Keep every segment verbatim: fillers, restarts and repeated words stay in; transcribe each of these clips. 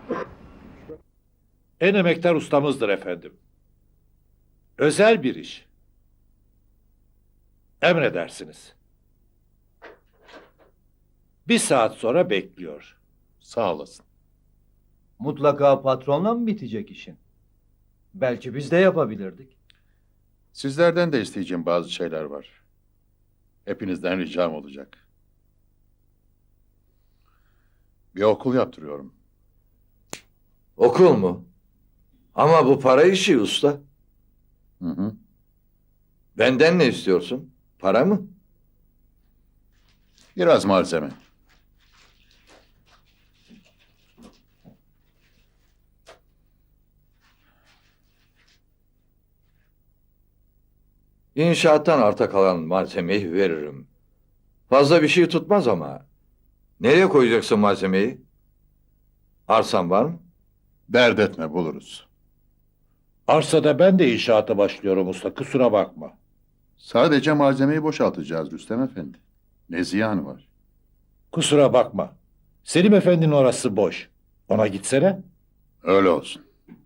En emektar ustamızdır efendim. Özel bir iş. Emredersiniz. Bir saat sonra bekliyor. Sağ olasın. Mutlaka patronla mı bitecek işin? Belki biz de yapabilirdik. Sizlerden de isteyeceğim bazı şeyler var. Hepinizden ricam olacak. Bir okul yaptırıyorum. Okul mu? Ama bu para işi usta. Hı hı. Benden ne istiyorsun? Para mı? Biraz malzeme. İnşaattan arta kalan malzemeyi veririm. Fazla bir şey tutmaz ama. Nereye koyacaksın malzemeyi? Arsan var mı? Dert etme, buluruz. Arsada ben de inşaata başlıyorum usta, kusura bakma. Sadece malzemeyi boşaltacağız Rüstem Efendi. Ne ziyanı var? Kusura bakma. Selim Efendi'nin orası boş. Ona gitsene. Öyle olsun.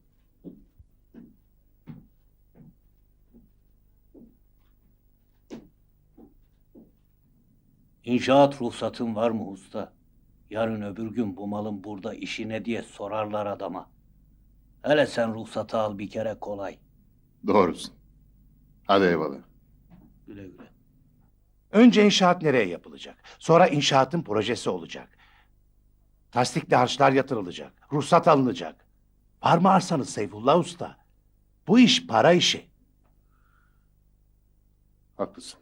İnşaat ruhsatın var mı usta? Yarın öbür gün bu malın burada işi ne diye sorarlar adama. Hele sen ruhsatı al bir kere kolay. Doğrusun. Hadi eyvallah. Güle güle. Önce inşaat nereye yapılacak? Sonra inşaatın projesi olacak. Tasdikli harçlar yatırılacak. Ruhsat alınacak. Var mı arsanız Seyfullah Usta? Bu iş para işi. Haklısın.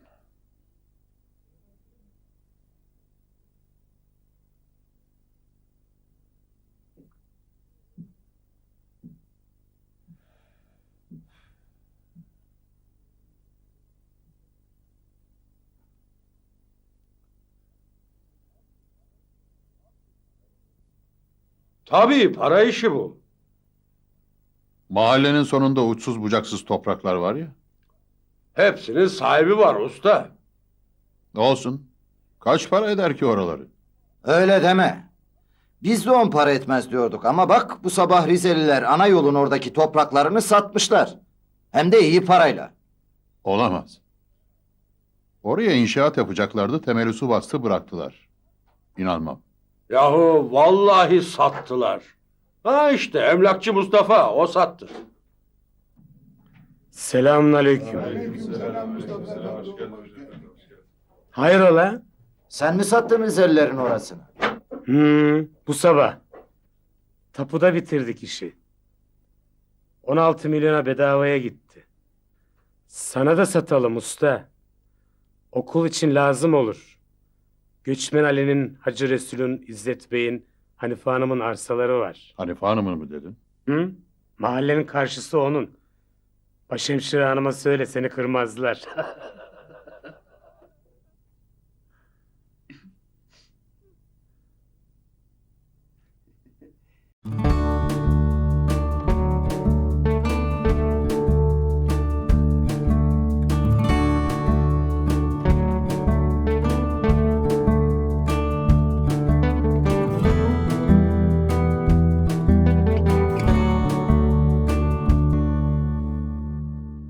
Tabii para işi bu. Mahallenin sonunda uçsuz bucaksız topraklar var ya. Hepsinin sahibi var usta. Olsun. Kaç para eder ki oraları? Öyle deme. Biz de on para etmez diyorduk ama bak bu sabah Rizeliler ana yolun oradaki topraklarını satmışlar. Hem de iyi parayla. Olamaz. Oraya inşaat yapacaklardı, temeli su bastı bıraktılar. İnanmam. Yahu vallahi sattılar. Ha işte emlakçı Mustafa o sattı. Selamünaleyküm. Hayrola? Sen mi sattın Rizelilerin orasını? Hmm, bu sabah. Tapuda bitirdik işi. on altı milyona bedavaya gitti. Sana da satalım usta. Okul için lazım olur. Göçmen Ali'nin, Hacı Resul'ün, İzzet Bey'in, Hanife Hanım'ın arsaları var. Hanife Hanım'ın mı dedin? Hı? Mahallenin karşısı onun. Başhemşire hanıma söyle seni kırmazlar.